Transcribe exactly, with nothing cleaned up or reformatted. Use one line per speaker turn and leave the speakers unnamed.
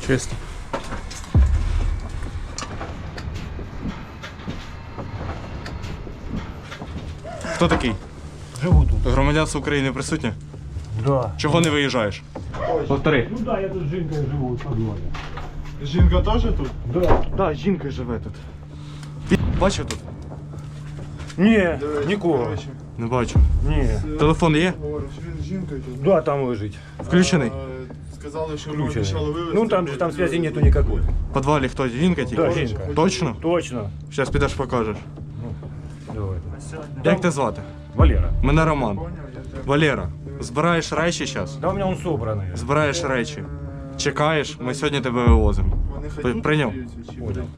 Чисто. Хто такий?
Живу тут.
Громадянство України присутнє?
Да.
Чого не виїжджаєш? Повтори.
Ну да, я тут з жінкою живу у подвалі.
Жінка теж тут?
Да.
Да, жінка живе тут. Пі... Бачив тут?
Ні, нікого.
Коротше,
Не бачу.
Ні.
Телефон є?
говориш, він з жінкою тут.
Да, там лежить.
Включений?
Е, Сказали, що ми
Включений.
обіцяли вивезти.
Ну там же там связи нету никакой.
В підвалі хто? Жінка тільки?
Да, жінка.
Точно?
Точно.
Зараз підеш покажеш.
Давай.
Як тебе звати?
Валера.
Мене Роман.
Поняв, я тебе.
Валера, збираєш речі зараз?
Да у меня он собранный.
Збираєш речі. Чекаєш, ми сьогодні тебе вивозимо.
Вони хай тут
Прийняв.
остаються, чи
Понял.